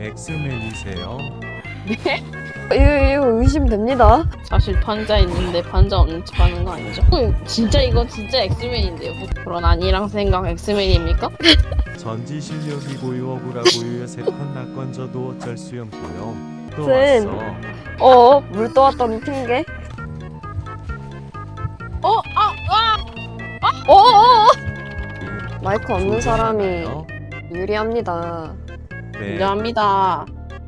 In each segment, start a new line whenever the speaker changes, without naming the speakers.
엑스맨이세요?
네? 이거 의심됩니다.
사실 판자 있는데 판자 없는 척 하는 거 아니죠? 진짜 이거 진짜 엑스맨인데요. 그런 아니랑 생각 엑스맨입니까?
전지 실력이 고요 억울하고요 세컨 낙건져도 어쩔 수 없고요 또
쌤.
왔어
물 떠왔더니 핑계. 마이크 없는 사람이
조정하나요?
유리합니다.
네
인정합니다.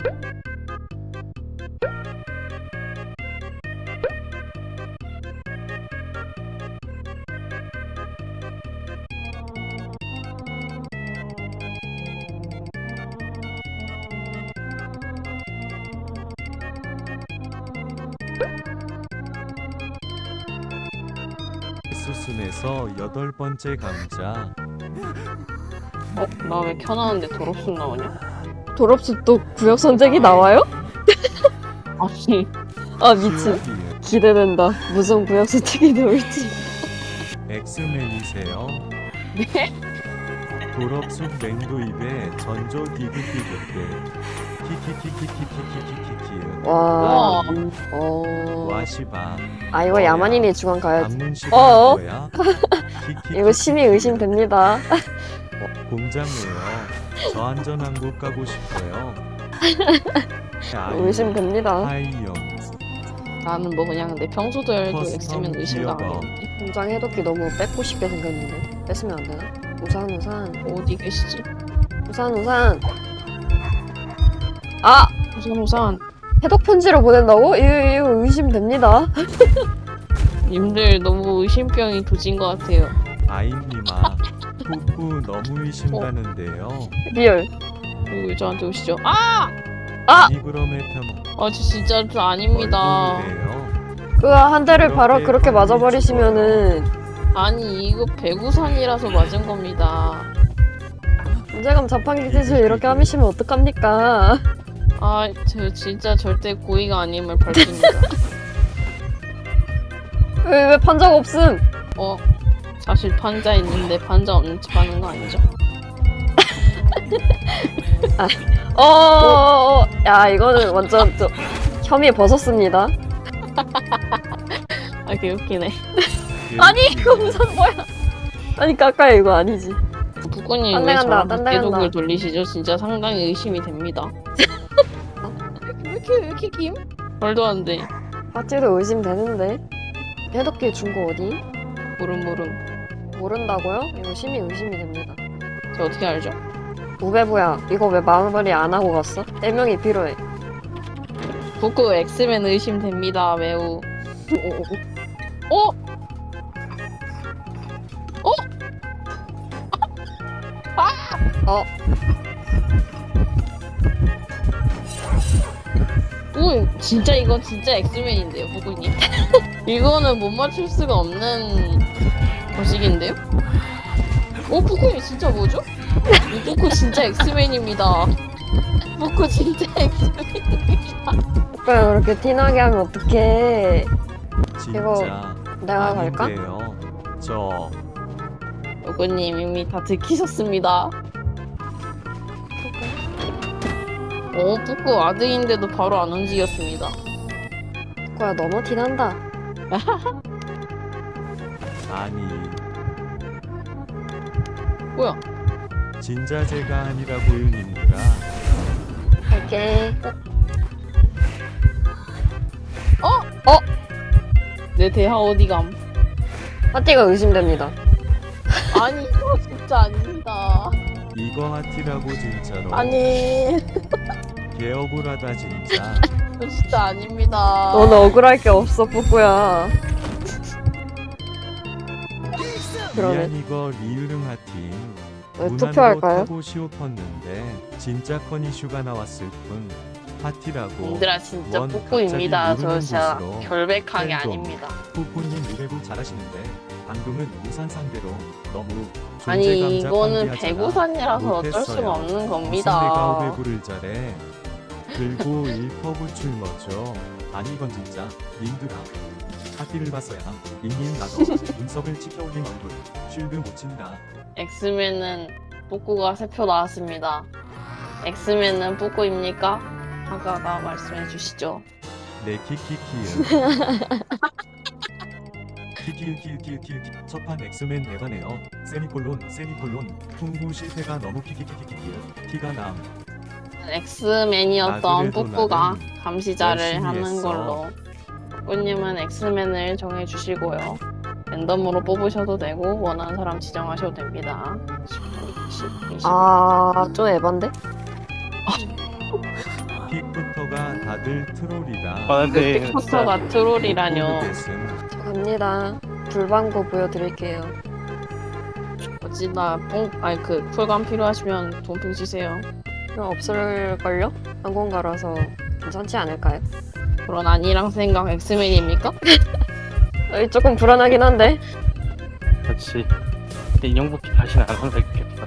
수순에서 8번째 감자
나 왜 켜놨는데 도роб순 나오냐?
졸업식도 구역 선택이 나와요?
아니
아 미친. 기대된다. 무슨 구역 선택이 나올지.
엑스맨이세요?
네?
졸업숙 맹도 입에 전조 디귿디귿대 키키키키키키키키키
와.
우와.
와시바
아 이거 야만인이 중앙 가야지.
방문식
어어?
거야?
이거 심히 의심됩니다.
공장이에요. 저 안전한곳 가고 싶어요.
의심됩니다.
하이요.
나는 뭐 그냥 내 평소대로
커스텀
엑스맨 의심
기어버.
나가겠는데.
공장 해독기 너무 뺏고 싶게 생겼는데 뺏으면 안 되나? 우산.
어디 계시지?
우산. 아
우산
해독 편지를 보낸다고? 이거 의심됩니다.
님들 너무 의심병이 도진 것 같아요.
아임님아. 푸푸 너무 의심가는데요.
리얼.
왜 저한테 오시죠? 아!
이그럼의 편.
저 진짜 저 아닙니다.
얼굴이래요.
그 한 대를 바로 그렇게 맞아버리시면은
아니 이거 배구산이라서 맞은 겁니다.
문제감 자판기 기술 이렇게 하시면 어떡합니까?
저 진짜 절대 고의가 아님을 밝힙니다.
왜 판자가 없음?
사실 판자 있는데 판자 없는 척 하는 거 아니죠?
야 이거는 완전 혐의 벗었습니다.
개웃기네.
아니 이거 우선 뭐야? 아니 까까야 이거 아니지.
북군님
딴데
왜
간다,
저랑
딴데
계속을
간다.
돌리시죠? 진짜 상당히 의심이 됩니다. 왜 이렇게 김? 말도 안 돼.
파티도 의심되는데 해독기 준 거 어디?
모름.
모른다고요? 이거 심히 의심이 됩니다.
저 어떻게 알죠?
우베부야 이거 왜 마무리 안 하고 갔어? 4명이 필요해.
북구 엑스맨 의심됩니다. 매우. 어? 진짜 이건 진짜 엑스맨인데요, 북구님. 이거는 못 맞출 수가 없는 거식인데요? 북구님 진짜 뭐죠? 이 북구 진짜 엑스맨입니다. 북구 진짜 엑스맨입니다.
오빠 그렇게 티나게 하면 어떡해.
진짜
내가 갈까?
아닌데요. 저
북구님 이미 다 들키셨습니다. 북구 아드인데도 바로 안 움직였습니다.
그거야 너무 티난다.
아니
뭐야?
진짜 제가 아니라고요 님들아.
갈게.
내 대하 어디감?
파티가 의심됩니다.
아니 이거 진짜 아닙니다.
이거 하티라고 진짜로.
아니
개 억울하다 진짜.
이거 진짜 아닙니다.
너는 억울할 게 없어 뿌꾸야. 그러네.
미안 이거 리으릉 하티.
네, 투표할까요?
타고 시오팠는데 진짜 커니슈가 나왔을 뿐. 하티라고.
님들아 진짜
원
뿌꾸입니다.
갑자기
저
모르는
진짜
곳으로
결백하게
팬덤.
아닙니다.
푸푸님 우레부 잘하시는데 방금은 우산 상대로 너무
아니
존재감
이거는
자판기하잖아.
배구산이라서 어쩔 수가
못했어요.
없는
무슨 내가
겁니다.
우레부를 잘해. 그리고 1퍼구출 멋져. 아니 이건 진짜 님들아 하티를 봤어야 잉님 나도 눈썹을 치켜올린 얼굴 쉴드 못 친다.
엑스맨은 뿌꾸가 3표 나왔습니다. 엑스맨은 뿌꾸입니까? 아까가 말씀해 주시죠.
네 키키키은 키키키키키키 첫판 엑스맨 에바네요. 세미콜론 풍부 실패가 너무 키키키키키 티가 남.
엑스맨이었던
아, 그래도
뿌꾸가
나는
감시자를
열심히
하는
했어.
걸로. 뿌꾸님은 엑스맨을 정해 주시고요. 랜덤으로 뽑으셔도 되고 원하는 사람 지정하셔도 됩니다. 10, 20.
좀 에반데?
픽부터가 다들 트롤이라.
아 근데
픽포터가 트롤이라뇨.
모르겠음.
저 갑니다. 불방구 보여드릴게요.
어찌나 아니 그 쿨감 필요하시면 돈핑 주세요.
그럼 없을걸요? 항공가라서 괜찮지 않을까요?
그런 아니랑 생각 엑스맨입니까?
조금 불안하긴 한데.
그렇지. 인형뽑기 다시는 안 한다 했겠다.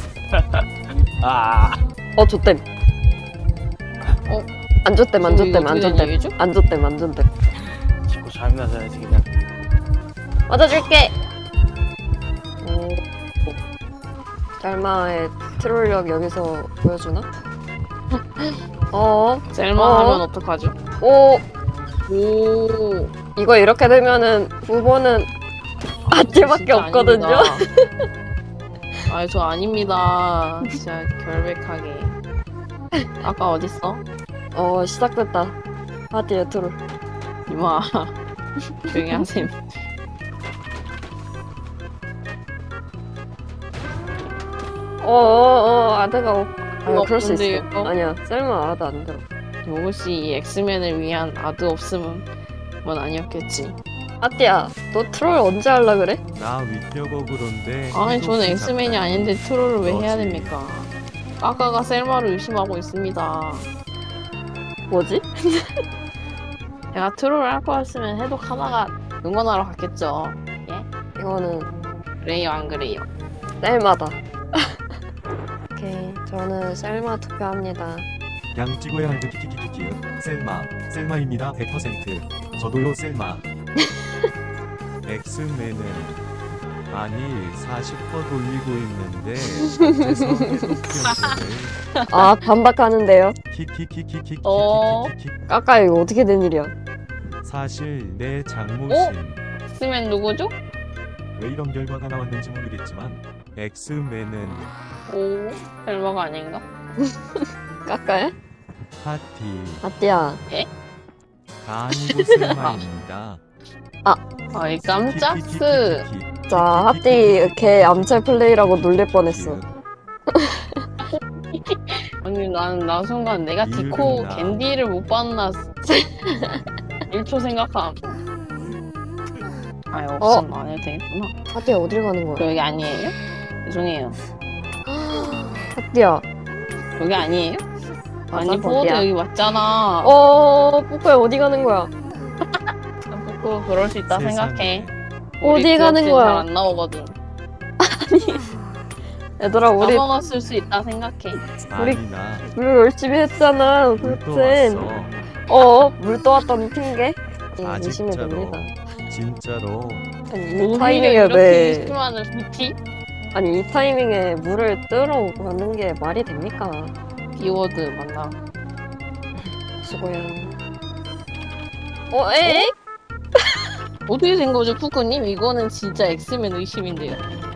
아
좆댐.
어?
안 좆댐, 안 좆댐, 안
어떻게 된
좆댐.
얘기죠?
안 좆댐, 안 좆댐.
자꾸 잠이나 자야지 그냥.
맞아줄게! 짤마의 트롤력 여기서 보여주나?
셀마 하면 어떡하죠?
오!
오.
이거 이렇게 되면은 후보는 아띠밖에
진짜
없거든요?
아닙니다. 아니 저 아닙니다. 진짜 결백하게. 아까 어딨어?
시작됐다. 아띠의 트롤.
이마 조용히 하셈.
아드가 그럴 수
근데
있어.
이거-
아니야, 셀마 아드 안 들어.
혹시 이 엑스맨을 위한 아드 없음은 건 아니었겠지.
아띠야, 너 트롤 언제 할라 그래?
나 위격어그런데.
아니 저는 엑스맨이 아닌데 트롤을 왜 해야
너지.
됩니까? 까까가 셀마를 의심하고 있습니다.
뭐지?
제가 트롤을 할 거였으면 해독 하나가 응원하러 갔겠죠.
이거는
그래요 안 그래요?
셀마다. 오케이, 저는 셀마 투표합니다.
양 찍어야 할 듯 키키키키. 셀마입니다. 100%. 저도요 셀마. 엑스맨은 아니 40% 돌리고 있는데 어째서 해독 변태를
반박하는데요.
키키키키키키키키키.
까까 이거 어떻게 된 일이야?
사실 내 장모심.
엑스맨 누구죠?
왜 이런 결과가 나왔는지 모르겠지만 엑스맨은
오 셀마가 아닌가?
까까야?
파티
아띠야,
아니고 셀마입니다.
아이 깜짝스.
키키키키키키.
자, 하띠 걔 암살 플레이라고 놀릴 뻔했어.
아니 나 순간 내가 디코
이유는 나.
겐디를 못 봤나 1초 생각함. 아니 없으면 안 해도 되겠구나.
하띠야, 어딜 가는
저
거야?
여기 아니에요? 죄송해요.
하띠야,
여기 아니에요?
맞아,
아니 포워드
거기야.
여기 맞잖아.
뿌꾸야 어디 가는 거야?
그 그럴 수 있다
세상에.
생각해.
어디 가는 거야?
잘안 나오거든.
얘들아, 우리
까먹었을 수 있다 생각해.
우리-
아니 나
열심히 했잖아.
물도
그렇지.
왔어.
물 떠왔던 핑계?
아,
의심이
진짜로.
됩니다.
진짜로
아니, 이
오히려
타이밍에
이렇게
왜?
심하는 BT?
아니, 이 타이밍에 물을 뜨러 가는 게 말이 됩니까?
비워드 맞나?
수고야. 에이?
어떻게 된 거죠, 푸꾸님? 이거는 진짜 엑스맨 의심인데요.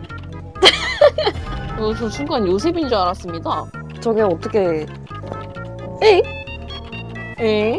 저 순간 요셉인 줄 알았습니다.
저게 어떻게? 에이?
에?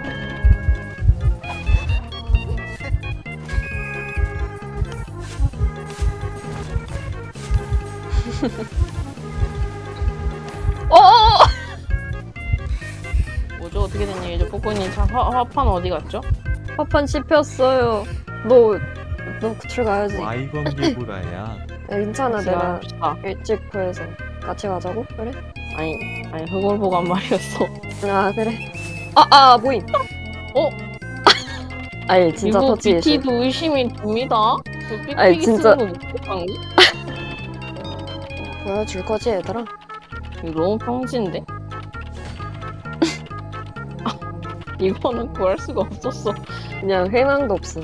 뭐죠? 어떻게 된 일이죠? 푸꾸님 화판 어디 갔죠?
화판 씹혔어요. 너 구출 가야지.
와이건개구라야.
야, 괜찮아,
같이
내가
갑시다.
일찍 구해서 같이 가자고? 그래?
아니 그걸 보고 한 말이었어.
아, 그래. 모임.
어?
아니, 진짜
이거
터치 예술.
BT도 의심이 됩니다. 저
아니,
삑삑이
진짜.
쓰는 거 못한 거?
보여줄 거지, 얘들아?
이거 너무 평지인데? 이거는 구할 수가 없었어.
그냥 회망도 없음.